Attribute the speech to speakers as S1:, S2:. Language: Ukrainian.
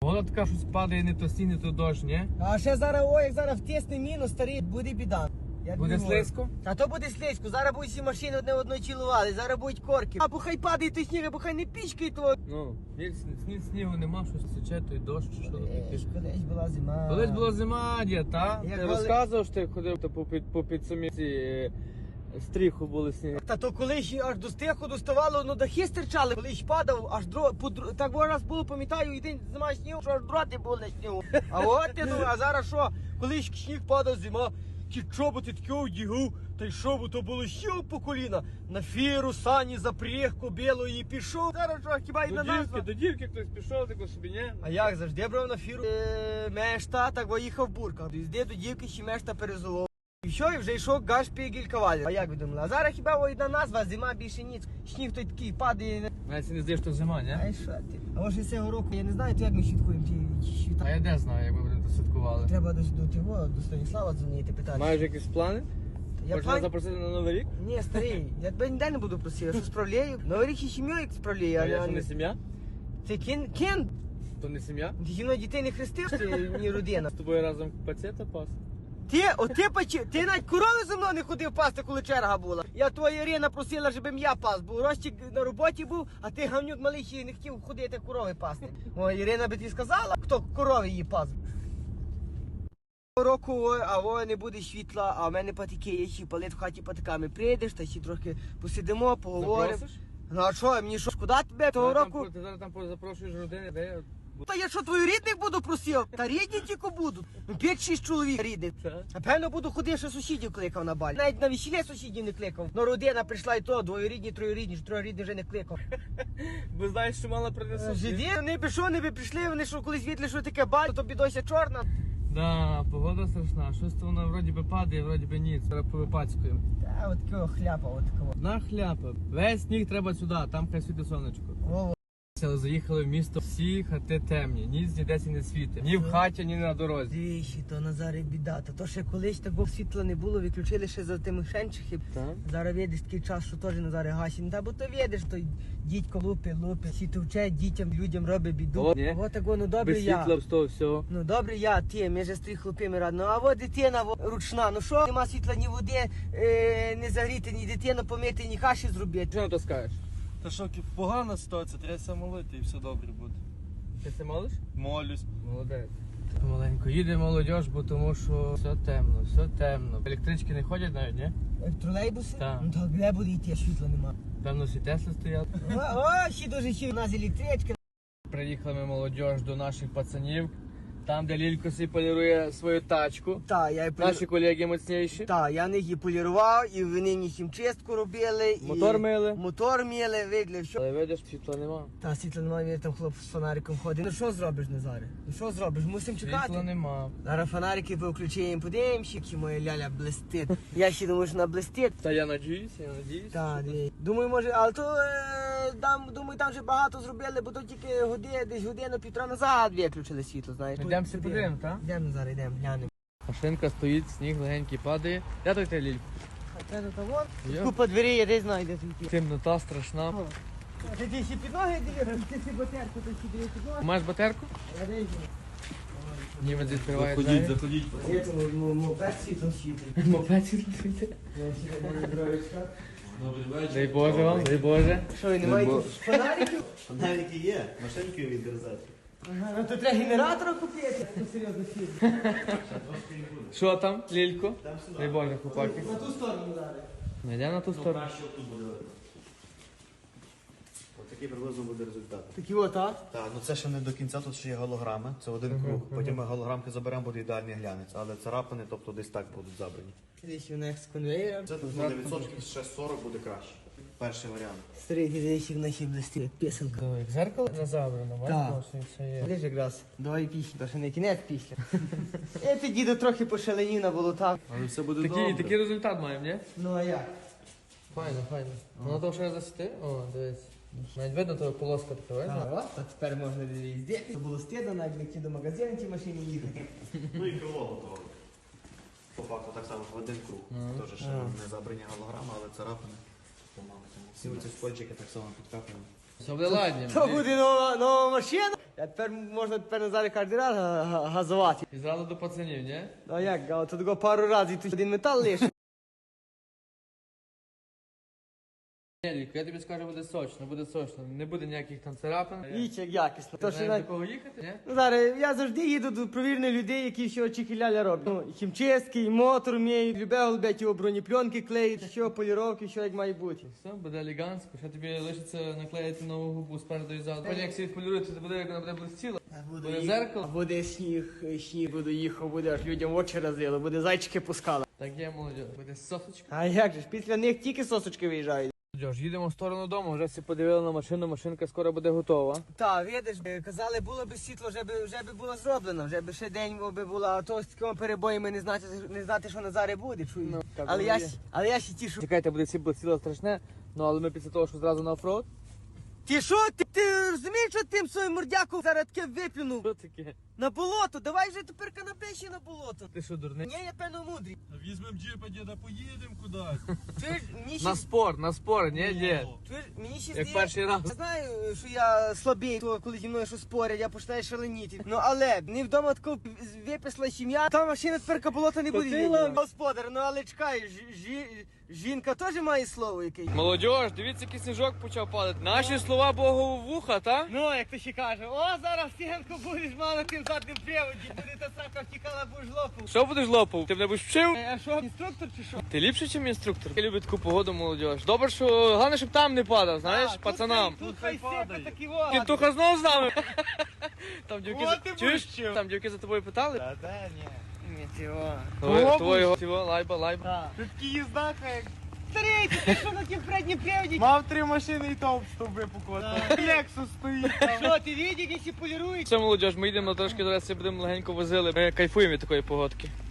S1: Воно така щось падає, не то сніг, не то дощ, ні?
S2: А ще зараз, як зараз втисне мінус, старий, буде біда.
S1: Буде слизько?
S2: А то буде слизько, зараз будуть всі машини одне одної цілували, зараз будуть корки. Або хай падає той сніг, або хай не пічкає того.
S1: Ну, снігу нема, щось січе, той дощ, чи що таке.
S2: Колись була зима.
S1: Колись була зима, дід, та?
S2: Як
S1: Ти розказував, що ти ходив по підсуміці стріху були сніги.
S2: Та то колись аж до стиху доставало, ну дахи стирчали. Колись падав, аж так раз було, пам'ятаю, і день зима снігу, що аж дроти були на снігу. А от ти, ну, а зараз що? Колись сніг падав, зима, ті чоботи такі одягав, та й що, бо то було ще по коліна. На фіру, сані, запряг, кобилу і пішов. Зараз що, хіба й на назва?
S1: До дівки хтось пішов, тако собі, ні?
S2: А як завжди брав на фіру мешта, так виїхав бурка. Їзди до дівки ще мешта перезолов. І що, і вже йшов гашпігель кавалер. А як ви думали? А зараз хіба одна назва, зима більше ніц. Сніг той такий падає.
S1: Навіть не здаєш, що зима, ні?
S2: А що ти? А може цього року, я не знаю, то як ми святкуємо ті свята.
S1: А я де знаю, як ми будемо святкували.
S2: Треба до Станіслава дзвонити, питати.
S1: Маєш якісь плани? Можна запросити на Новий рік?
S2: Ні, старий, я тебе ніде не буду просити, я що справляю. Новий рік і сім'ю як справляю.
S1: А я що не сім'я?
S2: Це кін?
S1: То не сім'я?
S2: Ти зі мною дітей не хрестив, ти ні родина.
S1: З тобою разом пацієнта пас?
S2: Ти навіть корови зі мною не ходив пасти, коли черга була. Я твоя Ірина просила, щоб я пас, бо Ростик на роботі був, а ти гавнюк малий ще не хотів ходити корови пасти. О, Ірина би тобі сказала, хто корови її пас. Року, а не буде світла, а в мене патики є, ще палить в хаті патиками. Прийдеш, та ще трохи посидимо, поговоримо.
S1: Запросиш?
S2: Ну а що, мені що, шкода тебе того року?
S1: Ти зараз там запрошуєш родини, де я...
S2: Та я що, твою рідних буду просив? Та рідні тільки будуть. 5-6 чоловік рідних. Напевно, буду ходити, що сусідів кликав на балі. Навіть на весілля сусідів не кликав. Но родина прийшла і то, двоюрідні, троюрідні, троюрідні вже не кликав.
S1: Бо знаєш, що мало принесуть?
S2: Живі, вони б що, не би прийшли, вони що колись відли, що таке баль, то бідося чорна.
S1: Да, погода страшна. Щось то воно вроді би падає, вроді би ні. Зараз повипацькуємо.
S2: Та, от такого хляпа, от такого.
S1: Одна хляпа. Весь сніг треба сюди, там хай світить сонечко.
S2: Во-во.
S1: Але заїхали в місто, всі хати темні, ніц ніде не світить. Ні в хаті, ні на дорозі.
S2: Двічі, то Назаре біда. То ще колись такого світла не було, виключили ще за тими шенчихів.
S1: Так.
S2: Зараз видиш такий час, що теж Назаре гасі. Та бо то видиш, то дідько лупи, всі товче дітям, людям робить біду. От так воно добре
S1: без
S2: я.
S1: світла, без того всього.
S2: Ну добре я, ти, ми же з трьох хлопами радно. А от дитина ручна, ну що, нема світла, ні води, не загріти, ні дитину помити, ні каші зробити.
S1: Що на то скажеш?
S3: Та що погана ситуація, треба все молити і все добре буде.
S1: Ти це молиш?
S3: Молюсь.
S1: Молодець. Помаленько їде молодь, бо тому що все темно, все темно. Електрички не ходять навіть, ні?
S2: Тролейбуси?
S1: Так.
S2: Ну так де буде йти, світла нема.
S1: Певно, всі Тесли стоять.
S2: О, ще дуже ще у нас електричка.
S1: Приїхали ми молодь до наших пацанів. Там, де Лілько собі полірує свою тачку.
S2: Та, я
S1: Наші колеги моцніші.
S2: Так, я них і полірував, і вони їх хімчистку робили.
S1: Мотор мили.
S2: Мотор мили, видли, що.
S1: Але видиш, світла нема.
S2: Та, світла немає, там хлоп з фонариком ходить. Ну що зробиш, Назаре? Ну що зробиш? Мусимо чекати.
S1: Світла нема.
S2: Зараз фонарики включаємо, подивимося, чи моя ляля блистить. Я ще думаю, що вона блистить.
S1: Та я надіюсь.
S2: Так, думаю, може, але то думаю, там вже багато зробили, бо то тільки десь годину-півтора назад виключили світло, знаєш.
S1: Йдемо всі подивимо, так?
S2: Йдемо зараз, йдемо, глянемо.
S1: Машинка стоїть, сніг легенький падає. Де той ти, Лілько?
S2: Це то вон.
S1: Йо.
S2: Купа двері, я десь знайде тут.
S1: Темнота страшна.
S2: Ти ще під ноги дивиш, ти ще батерку, то ще дивиш під ноги.
S1: Маєш батерку?
S2: Я дивлюся.
S1: Німець відкриває
S3: Заходіть,
S1: двері.
S3: заходіть.
S2: Я тому мопед світлом світить.
S1: Мопед світить.
S2: Я ще можу дровичка.
S3: Добрий вечір.
S1: Дай Боже вам, дай Боже.
S2: Що, і немає тут фонариків?
S4: Фонарики є, машинки відрізати.
S2: Ага, ну то треба генератора купити. Ну серйозно фірм.
S1: Що там, Лілько? Дай Боже, хлопаки.
S2: На ту сторону зараз.
S1: Ми йдемо на ту сторону.
S4: Краще тут буде видно. Ось такий приблизно буде результат.
S2: Такі от, а?
S4: Так, ну це ще не до кінця, тут ще є голограми, це один круг. Потім ми голограмки заберемо, буде ідеальний глянець, але царапини, тобто десь так будуть забрані.
S2: Десь у них з конвейера.
S4: Це тут на відсотків ще 40 буде краще. Перший варіант.
S2: Старий десь в нашій блисті, як пісенка.
S1: Як зеркало не забрано,
S2: Так.
S1: бачиш, все є.
S2: Лиш якраз, давай після, то ще не кінець після. Ти, діду, трохи пошаленів на болотах.
S4: Але все буде добре.
S1: Такий результат маємо, ні?
S2: Ну а як?
S1: Файно, файно. Воно то ще засвіти? О, дивись. Навіть видно, то полоска така,
S2: А,
S1: видно?
S2: от, а тепер можна везде. Це було стидно, навіть йти до магазину ті машині їхати.
S4: Ну і крило готове. По факту так само в один круг. Теж ще не забрані голограми, але царапини. Всі оці скотчики так само підкапуємо.
S1: Все буде ладні.
S2: То буде нова машина. Я тепер можна Назарі кожен раз газувати.
S1: І зразу до пацанів, ні?
S2: Ну а як, а то такого пару разів, і тут один метал лише.
S1: Ні, Ліко, я тобі скажу, буде сочно. Не буде ніяких там царапин.
S2: Віч, як якісно. То, що
S1: Знаєш,
S2: навіть...
S1: до кого їхати, ні?
S2: Ну, зараз я завжди їду до провірених людей, які все чихіляля роблять. Ну, і хімчистки, і мотор вміють, любе голубять, його бронепленки клеїть, що поліровки, що як має бути.
S1: Все, буде елегантсько, ще тобі лишиться наклеїти нову губу спереду і ззаду. Потім як все відполірується, то буде, як вона буде блистіла. Буде зеркало.
S2: Буде сніг буде їхав, буде аж людям очі розлило, буде зайчики пускало.
S1: Так є, молодь. Буде сосочка.
S2: А як же ж, після них тільки сосочки виїжджають.
S1: Молодь, їдемо в сторону дому, вже всі подивили на машину, машинка скоро буде готова.
S2: Так, видиш, казали, було б світло, вже би було зроблено, вже б ще день би було, а то з такими перебоями не знати, що на зарі буде, чуєш.
S1: Ну, так
S2: але,
S1: воно
S2: я
S1: є.
S2: ще тішу.
S1: Чекайте, буде всі блистіло страшне, ну але ми після того, що зразу на оффроуд.
S2: Ти що, ти розумієш, що тим своїм мордяком зараз таке виплюнув?
S1: Що таке?
S2: На болото, давай вже тепер канапеші на болото.
S1: Ти що, дурний?
S2: Ні, я певно мудрий.
S3: Візьмем джипа, діда, поїдемо кудись.
S2: Чуєш, мені
S1: На
S2: ще...
S1: спор, ні, ні.
S2: Чуєш, мені ще
S1: Як перший раз.
S2: Я знаю, що я слабий, то коли зі мною щось спорять, я починаю шаленіти. Ну але не вдома тако виписала сім'я, та машина тепер болота не буде.
S1: Котила.
S2: Господар, ну але чекай, жінка теж має слово якесь.
S1: Молодь, дивіться, який сніжок почав падати. Наші слова Богу в вуха, та?
S2: Ну, як то ще каже, о, зараз стінку будеш мало тим задним приводі, буде та срака втікала, будеш лопав.
S1: Що будеш лопав? Ти мене будеш вчив?
S2: А що, інструктор чи що?
S1: Ти ліпше, ніж інструктор? Я люблю таку погоду, молодь. Добре, що головне, щоб там не падав, знаєш, пацанам.
S2: Тут хай сипе такі во.
S1: Кінтуха знов з нами. Там дівки
S2: О, ти
S1: чуєш?
S2: будеш.
S1: Там дівки за тобою питали?
S3: Та де, ні.
S2: Ні, цього.
S1: Твого, лайба.
S3: Ти такий їздака, як
S2: Старий, ти що на тім переднім приводі?
S3: мав 3 машини і то в стовби покотав. Лексус стоїть там.
S2: Що, ти видиш, які полірують?
S1: Все, молодь, ми йдемо трошки зараз будемо легенько возили. Ми кайфуємо від такої погодки.